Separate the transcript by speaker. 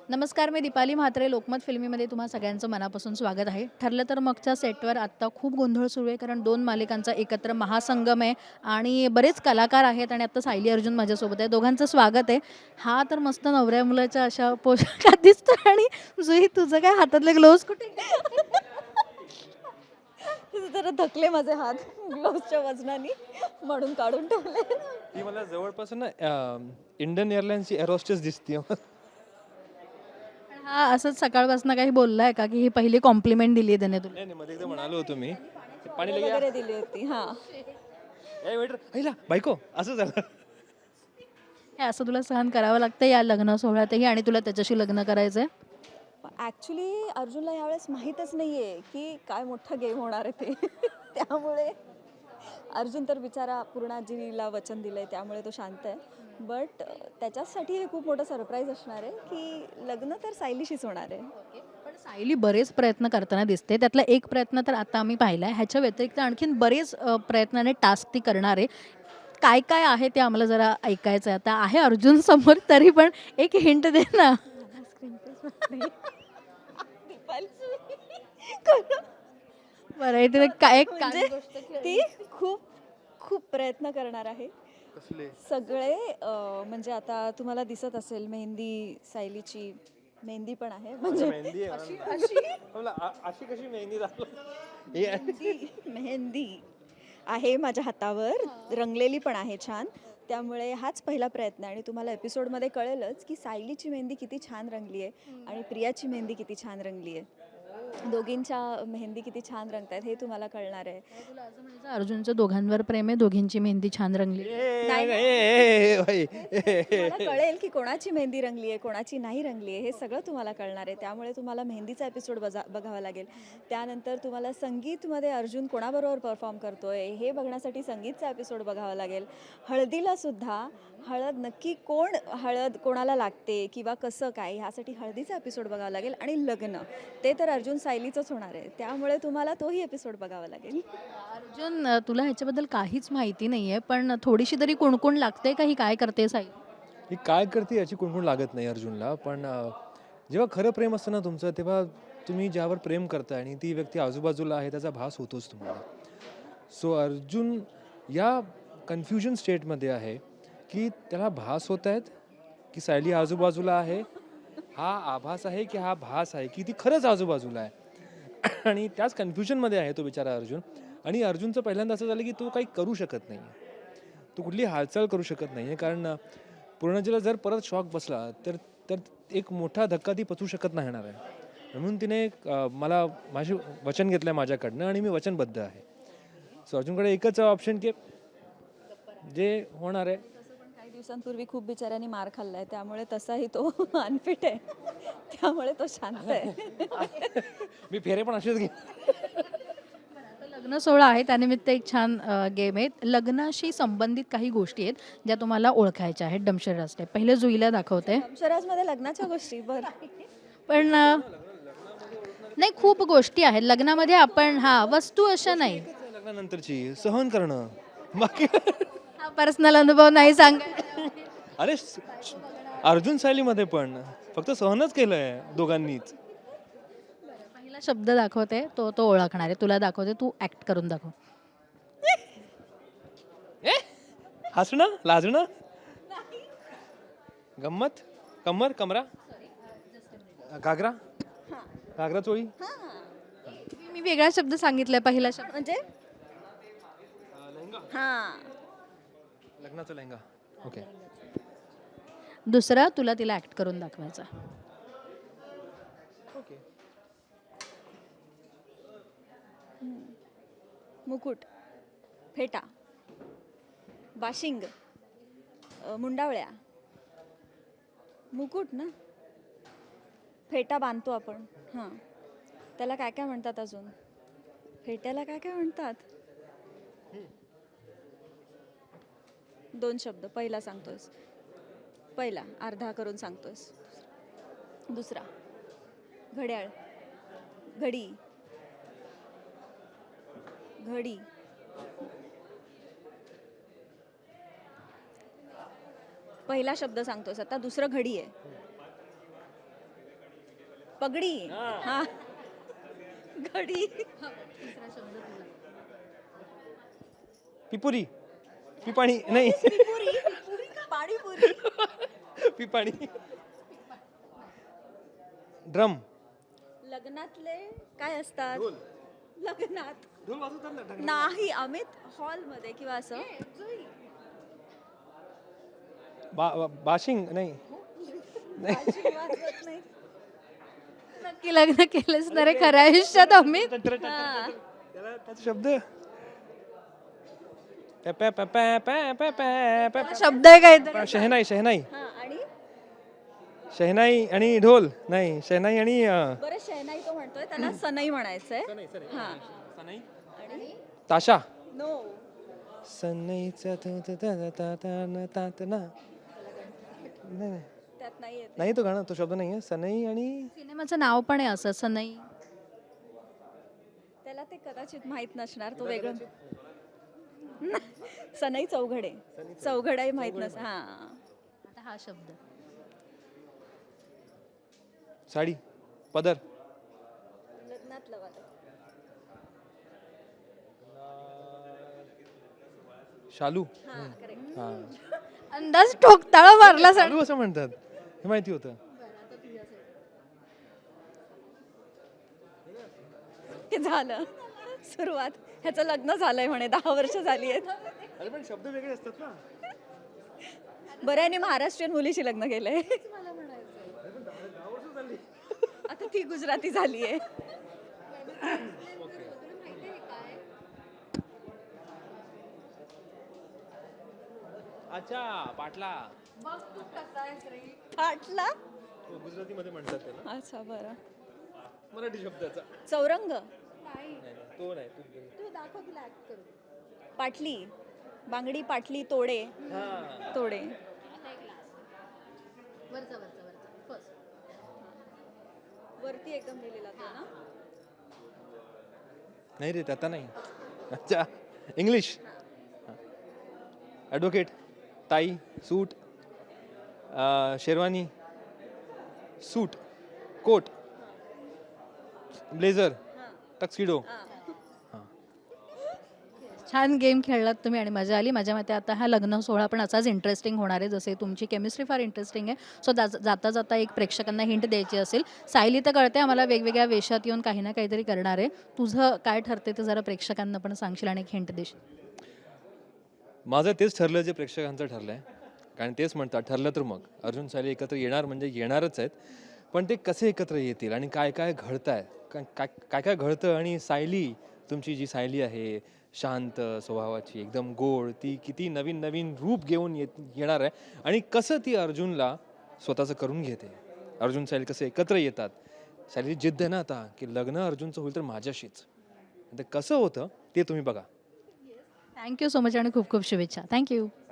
Speaker 1: नमस्कार, मी दीपाली म्हात्रे. लोकमत फिल्मीमध्ये तुम्हा सगळ्यांचं मनापासून स्वागत आहे. ठरलं तर मगच्या सेटवर आत्ता खूप गोंधळ सुरू आहे, कारण 2 मालिकांचा एकत्र महासंगम आहे आणि बरेच कलाकार आहेत आणि आत्ता सायली अर्जुन माझ्यासोबत आहे. दोघांचं स्वागत आहे. हा तर मस्त नवऱ्या मुलाच्या अशा पोशाखात दिसतो आणि जुई तुझं काय हातातले ग्लोव्ज कुठे?
Speaker 2: जरा थकले माझे हात ग्लोव्हजच्या वजनाने म्हणून काढून ठेवले.
Speaker 3: ती मला जवळपास ना इंडियन एअरलाइन्सची एरोस्टेस दिसते.
Speaker 1: पण हा असंच सकाळपासून काही बोललाय का, की ही पहिली कॉम्प्लिमेंट दिली आहे त्याने तुला?
Speaker 3: नाही नाही, मध्ये एकदा म्हणालो होतो मी पाणी लगे
Speaker 2: वगैरे दिली होती. हा,
Speaker 3: ए वेटर हैला बायको असं झालं.
Speaker 1: हे असं तुला सहन करावं लागतं या लग्न सोहळ्यातही आणि तुला त्याच्याशी लग्न करायचंय?
Speaker 2: ॲक्च्युली अर्जुनला यावेळेस माहीतच नाही आहे की काय मोठा गेम होणार आहे ते. त्यामुळे अर्जुन तर बिचारा पूर्ण आजीला वचन दिलं आहे, त्यामुळे तो शांत आहे. बट त्याच्यासाठी हे खूप मोठं सरप्राईज असणार आहे की लग्न तर सायलीशीच होणार आहे.
Speaker 1: पण सायली बरेच प्रयत्न करताना दिसते. त्यातला एक प्रयत्न तर आता आम्ही पाहिलाय. ह्याच्या व्यतिरिक्त आणखीन बरेच प्रयत्नाने टास्क ती करणार आहे. काय काय आहे ते आम्हाला जरा ऐकायचं आहे. आता आहे अर्जुन समोर, तरी पण एक हिंट दे ना. बरं आहे ते काय
Speaker 2: म्हणजे ती खूप खूप प्रयत्न करणार आहे.
Speaker 3: कसले
Speaker 2: सगळे म्हणजे आता तुम्हाला दिसत असेल मेहंदी, सायलीची मेहंदी पण आहे. म्हणजे
Speaker 3: मेहंदी अशी कशी मेहंदी
Speaker 2: मेहंदी आहे माझ्या हातावर, रंगलेली पण आहे छान. त्यामुळे हाच पहिला प्रयत्न आहे आणि तुम्हाला एपिसोडमध्ये कळेलच की सायलीची मेहंदी किती छान रंगली आहे आणि प्रियाची मेहंदी किती छान रंगली आहे. दोघींच्या मेहंदी किती छान रंगतायत हे तुम्हाला कळणार आहे.
Speaker 1: तुला असं म्हणायचं अर्जुनचं दोघांवर प्रेम आहे, दोघींची मेहंदी छान रंगली.
Speaker 2: तुम्हाला कळेल की कोणाची मेहंदी रंगली आहे, कोणाची नाही रंगली आहे, हे सगळं तुम्हाला कळणार आहे. त्यामुळे तुम्हाला मेहंदीचा एपिसोड बघावा लागेल. त्यानंतर तुम्हाला संगीतमध्ये अर्जुन कोणाबरोबर परफॉर्म करतोय हे बघण्यासाठी संगीतचा एपिसोड बघावा लागेल. हळदीला सुद्धा हळद नक्की हळद कोणाला लागते किंवा कसं काय ह्यासाठी हळदीचा एपिसोड बघावा लागेल. आणि लग्न ते तर अर्जुन सायलीचंच होणार आहे, त्यामुळे तुम्हाला तोही एपिसोड बघावा लागेल.
Speaker 1: अर्जुन, तुला ह्याच्याबद्दल काहीच माहिती नाहीये, पण थोडीशी तरी कुणकुण लागते का ही काय करते साई?
Speaker 3: ही काय करते याची कुणकुण लागत नाही अर्जुनला. पण जेव्हा खरं प्रेम असतं ना तुमचं, तेव्हा तुम्ही ज्यावर प्रेम करताय आणि ती व्यक्ती आजूबाजूला आहे त्याचा भास होतोच तुम्हाला. सो अर्जुन या कन्फ्युजन स्टेटमध्ये आहे की त्याला भास होत आहेत की सायली आजूबाजूला आहे, हा आभास आहे की हा भास आहे की ती खरंच आजूबाजूला आहे. आणि त्याच कन्फ्युजनमध्ये आहे तो बिचारा अर्जुन. आणि अर्जुनचं पहिल्यांदा असं झालं की तो काही करू शकत नाही, तो कुठली हालचाल करू शकत नाही आहे. कारण पूर्णजीला जर परत शॉक बसला तर तर एक मोठा धक्का ती पचवू शकत नाही येणार आहे. म्हणून तिने मला माझे वचन घेतलं आहे माझ्याकडनं आणि मी वचनबद्ध आहे. सो अर्जुनकडे एकच ऑप्शन की जे होणार आहे.
Speaker 2: काही दिवसांपूर्वी खूप बिचाऱ्यांनी मार खाल्लाय, त्यामुळे तसाही तो अनफिट आहे. त्यामुळे तो शांत आहे.
Speaker 3: मी फेरे पण असेच घे.
Speaker 1: आता लग्न सोहळा आहे, त्यानिमित्त एक छान गेम आहे. लग्नाशी संबंधित काही गोष्टी आहेत ज्या तुम्हाला ओळखायच्या आहेत. डमशेर असते पहिले जुईला दाखवते.
Speaker 2: अक्षराजमध्ये लग्नाच्या गोष्टी बरं.
Speaker 1: पण नाही, खूप गोष्टी आहेत लग्नामध्ये. आपण वस्तू अशा नाही.
Speaker 3: लग्नानंतरची सहन करणं बाकी.
Speaker 1: हा पर्सनल अनुभव नाही सांगायचा.
Speaker 3: अरे अर्जुन सायलीमध्ये पण फक्त सहनच केलंय दोघांनीच.
Speaker 1: पहिला शब्द दाखवते, तो तो ओळखणार आहे. तुला दाखवते, तू ऍक्ट करून दाखव.
Speaker 3: हसणं लाजणं गंमत कमर कमरा घागरा घागरा चोळी.
Speaker 1: मी वेगळा शब्द सांगितलाय. पहिला शब्द
Speaker 2: म्हणजे हा,
Speaker 3: लग्नाचा लेहंगा. ओके.
Speaker 1: दुसरा तुला तिला ऍक्ट करून दाखवायचा.
Speaker 3: ओके.
Speaker 2: मुकुट, फेटा, बाशिंग, मुंडावळ्या. मुकुट ना, फेटा बांधतो आपण. हां, त्याला काय काय म्हणतात अजून? फेट्याला काय काय म्हणतात? 2 शब्द. पहिला सांगतोयस, पहिला अर्धा करून सांगतोयस. दुसरा घड्याळ, घडी, घडी. पहिला शब्द सांगतोस आता, दुसरं घडी आहे. पगडी हा घडी
Speaker 3: पिपुरी पिपाणी नाही
Speaker 2: पाणीपुरी
Speaker 3: पिपाणी ड्रम
Speaker 2: लग्नातले काय असतात लग्नात
Speaker 3: ढोल वाजवतात ना
Speaker 2: नाही अमित हॉलमध्ये किंवा असं
Speaker 3: बाशिंग नाही
Speaker 2: वाजवत नाही.
Speaker 1: नक्की लग्न केलंच ना रे खऱ्या आयुष्यात अमित.
Speaker 2: हा.
Speaker 3: त्याला त्याचा शब्द पॅ पॅ पॅ पॅ पॅ पॅ पॅ पॅ
Speaker 1: शब्द आहे काहीतरी.
Speaker 3: शहनाई शहनाई
Speaker 2: हा, आणि
Speaker 3: शहनाई आणि ढोल नाही शहनाई आणि
Speaker 2: बरं शहनाई तो म्हणतोय त्याला सनई म्हणायचंय हा आणि
Speaker 3: ताशा
Speaker 2: नो
Speaker 3: सनईचा नाही
Speaker 2: त्यात नाही येत
Speaker 3: नाही तो गाणं तो शब्द नाही आहे सनई आणि
Speaker 1: सिनेमाचं नाव पण आहे असं असं नाही.
Speaker 2: त्याला ते कदाचित माहित नसणार तो वेगळं सनई चौघडे चौघडाही माहित नस हा
Speaker 1: आता हा शब्द
Speaker 3: साडी पदर
Speaker 2: लग्नातलं वाटत
Speaker 3: शालू
Speaker 2: हा करेक्ट
Speaker 3: हा
Speaker 1: अंदाज ठोकताळा मारला सर.
Speaker 3: शालू असं म्हणतात हे माहिती होतं
Speaker 2: हे झालं सुरुवात ह्याचं लग्न झालंय म्हणे 10 वर्ष झाली आहेत
Speaker 3: अरे पण शब्द वेगळे असतात ना
Speaker 2: बरं याने महाराष्ट्रीयन मुलीशी लग्न केलंय आता ती गुजराती झाली आहे
Speaker 3: अच्छा पाटला
Speaker 2: फाटला
Speaker 3: गुजराती मध्ये म्हणतात त्याला
Speaker 2: अच्छा बरं
Speaker 3: मराठी शब्दाचा
Speaker 2: चौरंग
Speaker 3: तो नाही
Speaker 2: पाटली बांगडी पाटली तोडे तोडे वरती एकदम लिहिलेला तो ना
Speaker 3: नाही रे आता नाही अच्छा English advocate tie suit sherwani suit coat blazer tuxedo
Speaker 1: छान गेम खेळलात तुम्ही आणि मजा आली. माझ्या मते आता हा लग्न सोहळा पण असाच इंटरेस्टिंग होणार आहे जसे तुमची केमिस्ट्री फार इंटरेस्टिंग आहे. सो जाता जाता एक प्रेक्षकांना हिंट द्यायची असेल. सायली तर कळते आम्हाला वेगवेगळ्या वेशात येऊन काही ना काहीतरी करणार आहे. तुझं काय ठरते ते जरा प्रेक्षकांना पण सांगशील आणि एक हिंट देशील.
Speaker 3: माझं तेच ठरलं जे प्रेक्षकांचं ठरलं आहे कारण तेच म्हणतात ठरलं तर मग अर्जुन सायली एकत्र येणार म्हणजे येणारच आहेत पण ते कसे एकत्र येतील आणि काय काय घडतं आहे काय काय घडतं आणि सायली तुमची जी सायली आहे शांत स्वभावाची एकदम गोड ती किती नवीन नवीन रूप घेऊन येणार आहे आणि कसं ती अर्जुनला स्वतःचं करून घेते अर्जुन सायली कसे एकत्र येतात सायली जिद्द आहे ना आता की लग्न अर्जुनचं होईल तर माझ्याशीच ते कसं होतं ते तुम्ही बघा.
Speaker 1: थँक्यू सो मच आणि खूप खूप शुभेच्छा. थँक्यू.